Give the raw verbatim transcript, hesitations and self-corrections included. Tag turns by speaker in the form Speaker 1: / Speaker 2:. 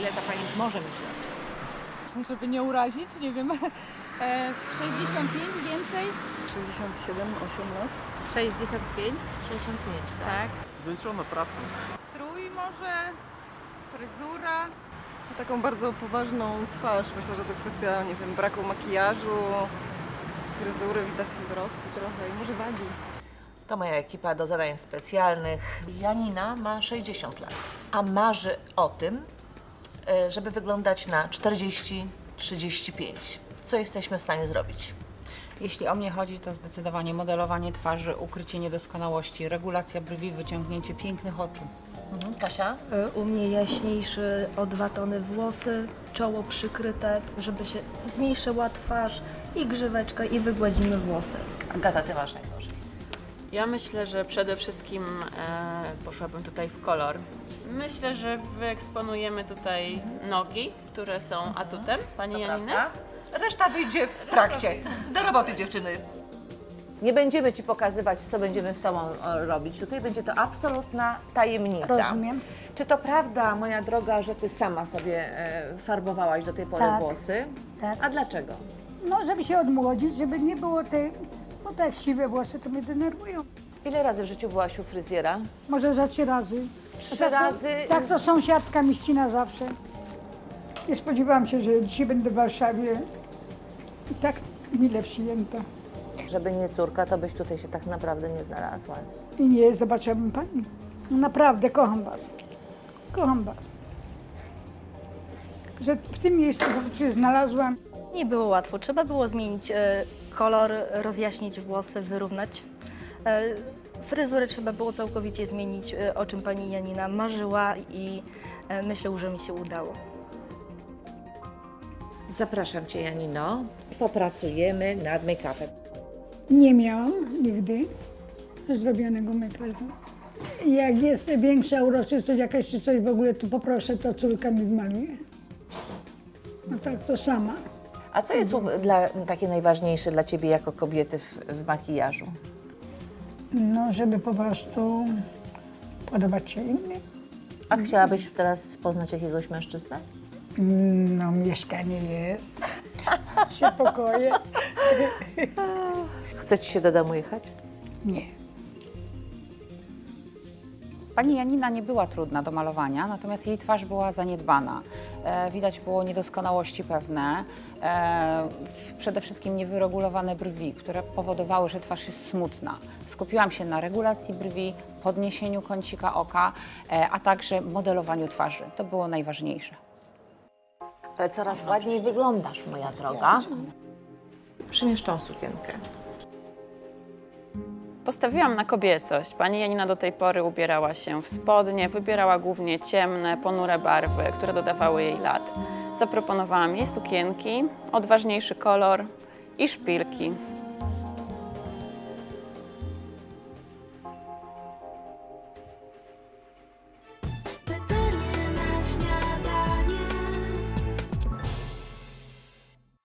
Speaker 1: ile ta pani może mieć lat?
Speaker 2: Żeby nie urazić, nie wiem, e, sześćdziesiąt pięć więcej?
Speaker 3: sześćdziesiąt siedem, osiem lat.
Speaker 4: sześćdziesiąt pięć.
Speaker 1: sześćdziesiąt pięć, tak?
Speaker 4: Tak.
Speaker 5: Zmęczona pracą.
Speaker 2: Strój może, fryzura.
Speaker 3: Taką bardzo poważną twarz. Myślę, że to kwestia, nie wiem, braku makijażu, fryzury, widać wzrosty trochę i może wagi.
Speaker 1: To moja ekipa do zadań specjalnych. Janina ma sześćdziesiąt lat, a marzy o tym, e, żeby wyglądać na czterdzieści trzydzieści pięć. Co jesteśmy w stanie zrobić?
Speaker 4: Jeśli o mnie chodzi, to zdecydowanie modelowanie twarzy, ukrycie niedoskonałości, regulacja brwi, wyciągnięcie pięknych oczu.
Speaker 1: Mhm. Kasia?
Speaker 6: U mnie jaśniejszy o dwa tony włosy, czoło przykryte, żeby się zmniejszyła twarz i grzyweczka i wygładzimy włosy.
Speaker 1: Agata, ty masz najgorzej.
Speaker 7: Ja myślę, że przede wszystkim e, poszłabym tutaj w kolor. Myślę, że wyeksponujemy tutaj nogi, które są atutem pani Janiny.
Speaker 1: Reszta wyjdzie w trakcie. Do roboty, dziewczyny. Nie będziemy Ci pokazywać, co będziemy z Tobą e, robić. Tutaj będzie to absolutna tajemnica.
Speaker 8: Rozumiem.
Speaker 1: Czy to prawda, moja droga, że Ty sama sobie e, farbowałaś do tej pory
Speaker 8: Tak.
Speaker 1: włosy?
Speaker 8: Tak.
Speaker 1: A dlaczego?
Speaker 8: No, żeby się odmłodzić, żeby nie było tej, bo te siwe włosy to mnie denerwują.
Speaker 1: Ile razy w życiu byłaś u fryzjera?
Speaker 8: Może za trzy razy.
Speaker 1: Trzy
Speaker 8: A tak to-
Speaker 1: razy?
Speaker 8: Tak, to sąsiadka mi ścina zawsze. Nie spodziewałam się, że dzisiaj będę w Warszawie i tak mile przyjęta.
Speaker 1: Żeby nie córka, to byś tutaj się tak naprawdę nie znalazła.
Speaker 8: I nie zobaczyłabym pani. No naprawdę, kocham was. Kocham was. Że w tym miejscu się znalazłam.
Speaker 6: Nie było łatwo, trzeba było zmienić e, kolor, rozjaśnić włosy, wyrównać. E, fryzurę trzeba było całkowicie zmienić, e, o czym pani Janina marzyła i e, myślę, że mi się udało.
Speaker 1: Zapraszam Cię, Janino. Popracujemy nad make-upem.
Speaker 8: Nie miałam nigdy zrobionego makijażu. Jak jest większa uroczystość jakaś czy coś w ogóle, to poproszę, to córka mi wmaluje. No tak, to sama.
Speaker 1: A co jest u- dla, takie najważniejsze dla Ciebie jako kobiety w, w makijażu?
Speaker 8: No, żeby po prostu podobać się innym.
Speaker 1: A chciałabyś teraz poznać jakiegoś mężczyznę?
Speaker 8: No, mieszkanie jest, się pokoje.
Speaker 1: Chce Ci się do domu jechać?
Speaker 8: Nie.
Speaker 4: Pani Janina nie była trudna do malowania, natomiast jej twarz była zaniedbana. E, widać było niedoskonałości pewne, e, w- przede wszystkim niewyregulowane brwi, które powodowały, że twarz jest smutna. Skupiłam się na regulacji brwi, podniesieniu kącika oka, e, a także modelowaniu twarzy. To było najważniejsze.
Speaker 1: Ale coraz ładniej wyglądasz, moja droga. Przymiesz tą sukienkę.
Speaker 7: Postawiłam na kobiecość. Pani Janina do tej pory ubierała się w spodnie, wybierała głównie ciemne, ponure barwy, które dodawały jej lat. Zaproponowałam jej sukienki, odważniejszy kolor i szpilki.